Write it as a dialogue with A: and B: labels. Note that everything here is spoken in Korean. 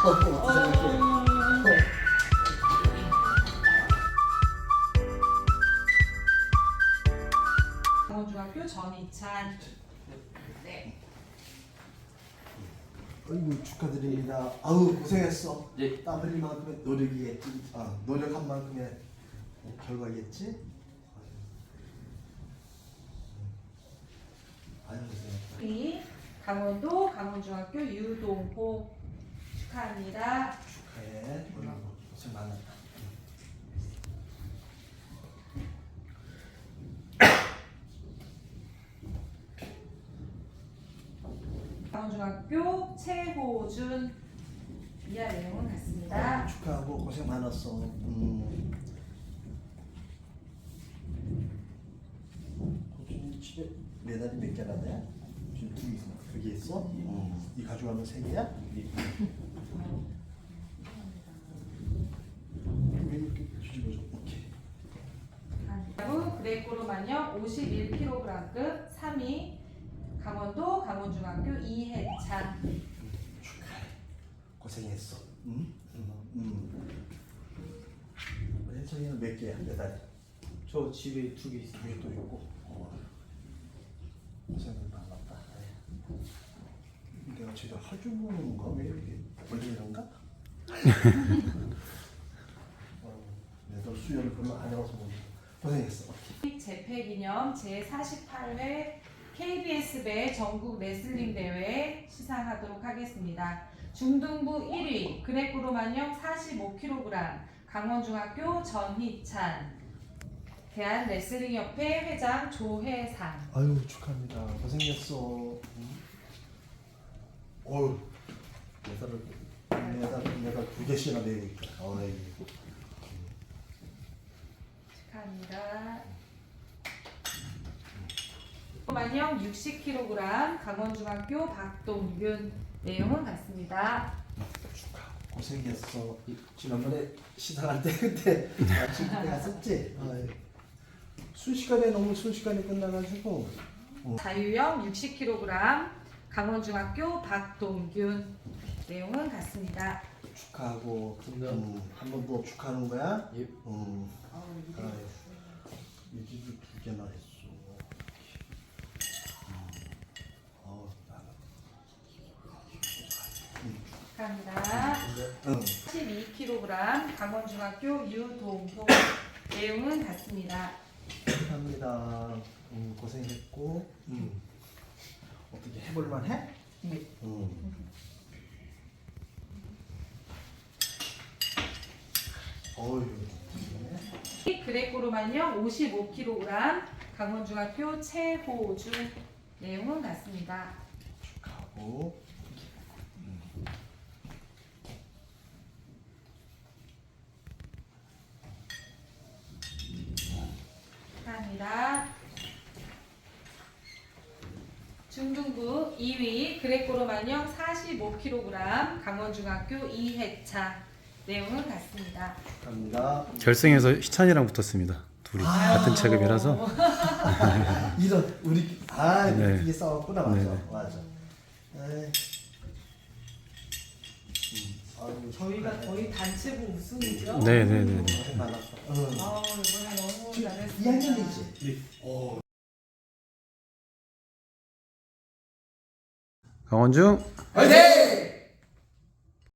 A: 강원중학교 전희찬. 네.
B: 아이고 축하드립니다. 아우 고생했어.
C: 예.
B: 땀 흘린 만큼의 노력이겠지. 노력한 만큼의 결과겠지. 아유 고생했다.
A: 이 강원도 강원중학교 유동호 축하합니다.
B: 축하해. 오늘 고생 많았다.
A: 강원중학교 최호준 이하 내용은 같습니다.
B: 축하하고 고생 많았어. 호준이 집에 메달이 몇 개나 돼? 지금 두 개 있어? 이 가져가면 세 개야? 왜 이렇게 뒤집어져? 오케이.
A: 그리고 그레코로마녀 51kg급 3위 강원도 강원중학교 이해찬.
B: 축하해. 고생했어. 우리 혜정이는 몇 개야? 메달?
C: 저 집에 2개 있어요.
B: 위에 또 있고. 고생을 많았다. 내가 제대로 할 줄 모르는 건가? 왜 이렇게 원래 이런가? 내가 수혈을 별로 안 해봐서 모르겠어. 고생했어.
A: 재패기념 제48회 KBS 배 전국 레슬링 대회 시상하도록 하겠습니다. 중등부 1위 그레코로마녀 45kg 강원중학교 전희찬, 대한레슬링협회 회장 조혜상.
B: 아유 축하합니다. 고생했어. 어우 메달 두 개씩이나 내고 있다. 어이.
A: 축하합니다. 만영 60kg 강원중학교 박동균 내용은 같습니다.
B: 축하. 고생했어. 지난번에 시상할 때 그때 마침 그때 갔었지. 순식간에 너무 순식간에 끝나가지고.
A: 자유형 60kg 강원중학교 박동균 내용은 같습니다.
B: 축하하고 한 번 더 축하하는 거야?
C: 예.
B: 유지도 두 개나 했어.
A: 축하합니다. 12kg 강원중학교 유동호 내용은 같습니다.
B: 축하합니다. 고생했고. 어떻게 해볼만 해? 어휴.
A: 그레코로마녀 55kg 강원중학교 최호준 내용은 같습니다.
B: 축하하고.
A: 축하합니다. 중등부 2위 그레코로마녀 45kg 강원중학교 이해차 내용은 같습니다.
B: 축하합니다.
D: 결승에서 희찬이랑 붙었습니다. 둘이 같은 체급이라서.
B: 이런 우리
D: 네.
B: 이게 싸웠구나. 맞아.
D: 네네.
B: 맞아. 에이. 아유,
A: 저희가 거의 단체부 우승이죠?
D: 네네네.
B: 고생 많았어.
A: 이번에 너무 잘했습니다.
B: 2학년이지?
D: 강원중
B: 화이팅!